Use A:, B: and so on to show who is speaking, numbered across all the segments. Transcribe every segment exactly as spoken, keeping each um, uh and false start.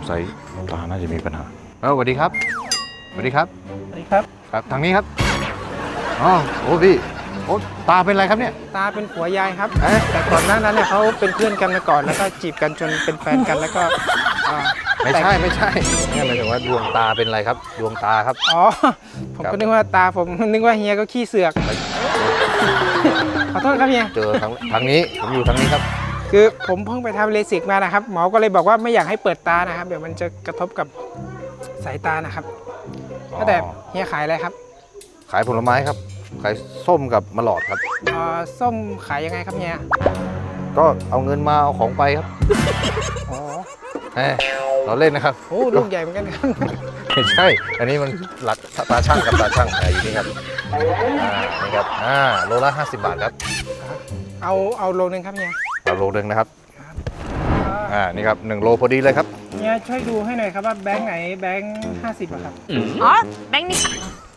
A: สัยตาน่าจะมีปัญหาเออสวัสดีครับสวัสดีครับ
B: สวัสดีครับ
A: ครับทางนี้ครับอ๋อโอ้พี่โอ้ตาเป็นอะไรครับเนี่ย
B: ตาเป็นผัวยายครับแต่ก่อนหน้านั้นเนี่ยเขาเป็นเพื่อนกันมาก่อนแล้วก็จีบกันจนเป็นแฟนกันแล้วก็
A: ไม่ใช่ไม่ใช่นี่หมายถึงว่าดวงตาเป็นอะไรครับดวงตาครับ
B: อ๋อผมก็นึกว่าตาผมนึกว่าเฮียก็ขี้เสือกขอโทษครับเฮีย
A: เจอทางทางนี้ผมอยู่ทางนี้ครับ
B: คือผมเพิ่งไปทำเลสิกมานะครับหมอก็เลยบอกว่าไม่อยากให้เปิดตานะครับเดี๋ยวมันจะกระทบกับสายตานะครับแต่เฮียขายอะไรครับ
A: ขายผลไม้ครับขายส้มกับมะหลอดครับ
B: อ๋อส้มขายยังไงครับเฮีย
A: ก็เอาเงินมาเอาของไปครับ
B: อ๋อ
A: เราเล่นนะครับ
B: โอ้ลูกใหญ่เหมือนกันครับ
A: ไม่ใช่อันนี้มันหลักตาช่างกับตาช่างอยู่นี่ครับอ่านี่ครับอ่าโลละห้าสิบบาทครับ
B: เอาเอาโลนึงครับเฮีย
A: เอาโลนึงนะครับอ่านี่ครับหนึ่งโลพอดีเลยครับ
B: เฮียช่วยดูให้หน่อยครับว่าแบงค์ไหนแบงค์ห้าสิบอะครับ
C: อ๋อแบงค์นี้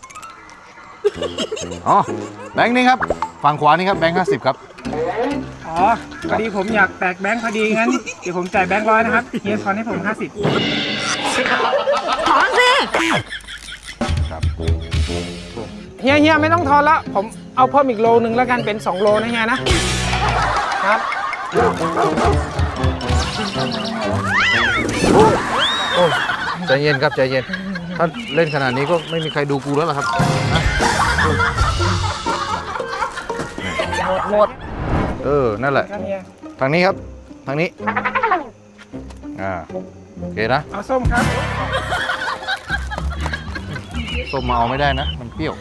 A: อ๋อแบงค์นี้ครับฝั่งขวานี่ครับแบงค์ห้าสิบครับ
B: อ๋อพอดีผมอยากแตกแบงค์พอดีงั้นเดี๋ยวผมจ่ายแบงค์ร้อยนะครับเฮียทอนให้ผมห้าสิบ
C: ถอนสิ
A: ครับ
B: เฮียเฮียไม่ต้องทอนละผมเอาเพิ่มอีกโลนึงแล้วกันเป็นสองโลนะเฮียนะครับ
A: โอ้ใจเย็นครับใจเย็นถ้าเล่นขนาดนี้ก็ไม่มีใครดูกูแล้วล่ะครับ
C: หมดหมด
A: เออนั่นแหละทางนี้ครับทางนี้อ่าโอเคนะ
B: เอาส้มครับ
A: ส้มมาเอาไม่ได้นะมันเปรี้ยว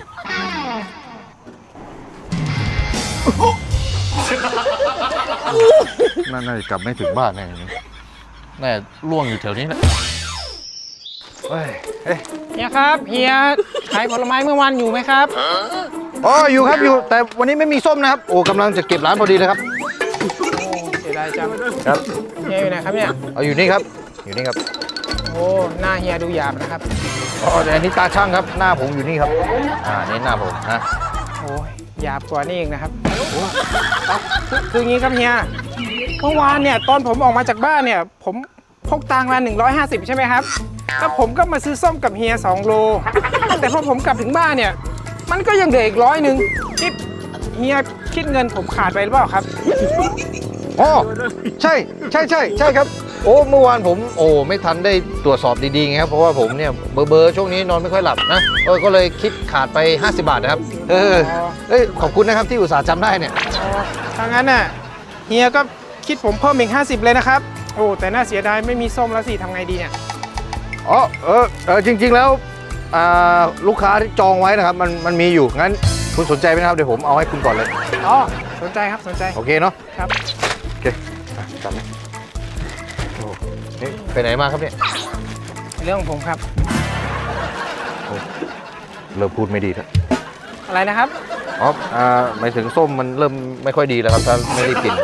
A: น่าจะกลับไม่ถึงบ้านแน่แน่ล่วงอยู่แถวนี้แหละเฮ้ย
B: เฮียครับเฮียขายผลไม้เมื่อวานอยู่ไหมครับ
A: อ๋ออยู่ครับอยู่แต่วันนี้ไม่มีส้มนะครับโอ้กำลังจะเก็บร้านพอดีเลยครับ
B: โอ้เสียดายจัง
A: ครับ
B: เฮียอยู่ไหนครับเนี่ย
A: เอาอยู่นี่ครับอยู่นี่ครับ
B: โอ้หน้าเฮียดูหยาบนะครับ
A: อ๋อแต่อันนี้ตาช่างครับหน้าผมอยู่นี่ครับอ่านี่หน้าผมนะ
B: โอ้ยหยาบกว่านี่เองนะครับคืออย่างนี้ครับเฮียเมื่อวานเนี่ยตอนผมออกมาจากบ้านเนี่ยผมพกตังค์มาหนึ่งร้อยห้าสิบใช่ไหมครับแล้วผมก็มาซื้อส้มกับเฮียสองโลแต่พอผมกลับถึงบ้านเนี่ยมันก็ยังเหลืออีกร้อยหนึ่งที่เฮียคิดเงินผมขาดไปหรือเปล่าครับ
A: อ๋อใช่ใช่ใช่ใช่ครับโอ้เมื่อวานผมโอ้ไม่ทันได้ตรวจสอบดีๆไงครับเพราะว่าผมเนี่ยเบอร์เบอร์ช่วงนี้นอนไม่ค่อยหลับนะเออก็เลยคิดขาดไปห้าสิบบาทนะครับเออเอ้ยขอบคุณนะครับที่อุตส่าห์จำได้เนี่ย
B: ถ้างั้นน่ะเฮียก็คิดผมเพิ่มอีกห้าสิบเลยนะครับโอ้แต่น่าเสียดายไม่มีส้มแล้วสิทำไงดีเนี่ย
A: อ๋อเออเออจริงๆแล้วลูกค้าที่จองไว้นะครับมันมันมีอยู่งั้นคุณสนใจไหมครับเดี๋ยวผมเอาให้คุณก่อนเลย
B: อ๋อสนใจครับสนใจ
A: โอเคเนาะ
B: ครับ
A: โอเคจำไหมโอ้นี่ไปไหนมาครับเนี่ย
B: เรื่องของผมครับ
A: เริ่มพูดไม่ดีแล้ว
B: อะไรนะครับ
A: อ๋ออ่าหมายถึงส้มมันเริ่มไม่ค่อยดีแล้วครับถ้าไม่ได้กิน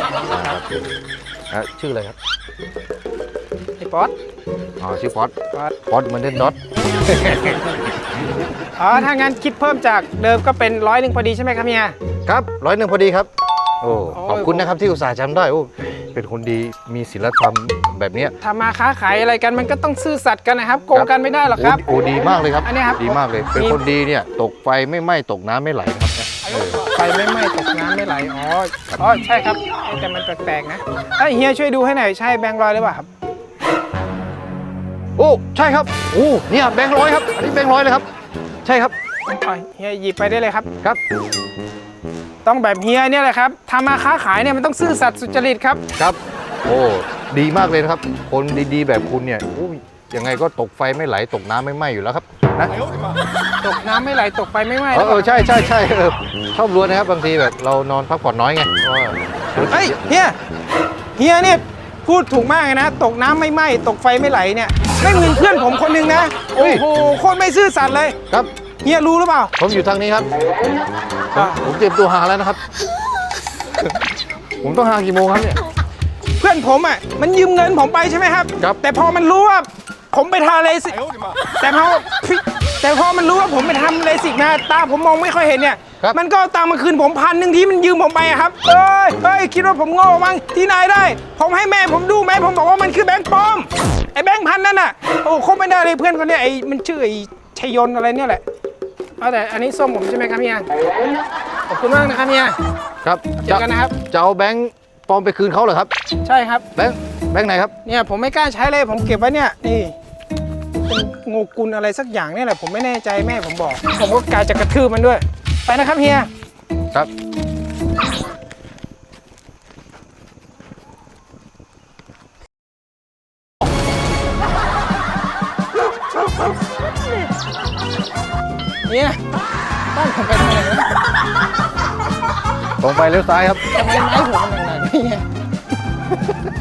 A: ชื่ออะไรครับ
B: ไอ้ป๊อต
A: อ๋อชื่อป๊อตป๊อตป๊อตมันเล่นด็อต
B: อ๋อถ้างั้นคิดเพิ่มจากเดิมก็เป็นร้อยหนึ่งพอดีใช่ไหมครับเฮีย
A: ครับร้อยหนึ่งพอดีครับโอ้ขอบคุณนะครับที่อุตส่าห์จำได้โอ้เป็นคนดีมีศีลธรรมแบบนี้
B: ทำมาค้าขายอะไรกันมันก็ต้องซื่อสัตย์กันนะครับโกงกันไม่ได้หรอกครับ
A: โอ้ดีมากเลยครับ
B: อันนี้ครับ
A: ดีมากเลยเป็นคนดีเนี่ยตกไฟไม่ไหม้ตกน้ำไม่ไหลครับ
B: ไฟไม่ไหม้ตกน้ำไม่ไหลอ๋ออ๋อใช่ครับแต่มันแปลกๆนะเฮียช่วยดูให้หน่อยใช่แบงค์ร้อยหรือเปล่าครับ
A: โอ้ใช่ครับโอ้เนี่ยแบงค์ร้อยครับอันนี้แบงค์ร้อยเลยครับใช่ครับ
B: เฮียหยิบไปได้เลยครับ
A: ครับ
B: ต้องแบบเฮียเนี่ยแหละครับทำมาค้าขายเนี่ยมันต้องซื่อสัตย์สุจริตครับ
A: ครับโอ้ดีมากเลยนะครับคนดีๆแบบคุณเนี่ยยังไงก็ตกไฟไม่ไหลตกน้ำไม่ไหม้อยู่แล้วครับนะ
B: ตกน้ำไม่ไหลตกไฟไม่ไหม้
A: เออใช่ใช่ใช่ชอบรู้นะครับบางทีแบบเรานอนพักผ่อนน้อยไง
B: เฮ้ยเฮียเฮียเนี่ยพูดถูกมากเลยนะตกน้ำไม่ไหม้ตกไฟไม่ไหลเนี่ยไม่เหมือนเพื่อนผมคนนึงนะโอ้โหโคตรไม่ซื่อสัตย์เลย
A: ครับ
B: เฮียรู้หรือเปล่า
A: ผมอยู่ทางนี้ครับผมเตรียมตัวหาแล้วนะครับผมต้องหากี่โมงครับเนี่ย
B: เพื่อนผมอ่ะมันยืมเงินผมไปใช่ไหมครับ
A: ครับ
B: แต่พอมันรู้ว่าผมไปทาเลสิกแต่พอแต่พอมันรู้ว่าผมไปทำเลสิกนะตาผมมองไม่ค่อยเห็นเนี่ย
A: ครับ
B: มันก็เอาตังค์มาคืนผมพันหนึ่งที่มันยืมผมไปอะครับเอ้ยเฮ้ยคิดว่าผมโง่มั้งที่ไหนได้ ผมให้แม่ผมดูแม่ผมบอกว่ามันคือแบงค์ปลอมไอ้แบงค์พันนั่นน่ะโอ้คบไม่ได้เลยเพื่อนคนเนี้ยไอ้มันชื่อไอ้ชัยยนต์อะไรเนี่ยแหละเอาแต่อันนี้ส้มผมใช่ไหมครับเฮียขอบคุณมากนะครับเฮีย
A: ครับ
B: เจอกันนะครับ
A: จะเอาแบงค์ปลอมไปคืนเขาเหรอครับ
B: ใช่ครับ
A: แบงค์แบงค์ไหนครับ
B: เนี่ยผมไม่กล้าใช้เลยผมเก็บไว้เนี่ยนี่เป็นโงกุลอะไรสักอย่างเนี่ยแหละผมไม่แน่ใจแม่ผมบอก ผมก็กลายจะกระทืบมันด้วย ไปนะครับเฮีย
A: ครับ
B: เนี่ยบ้านผมไปทางไหนนะ
A: ตรงไปเลี้ยวซ้ายครับ
B: ทำไมไม้ผมมันหนักๆเนี่ย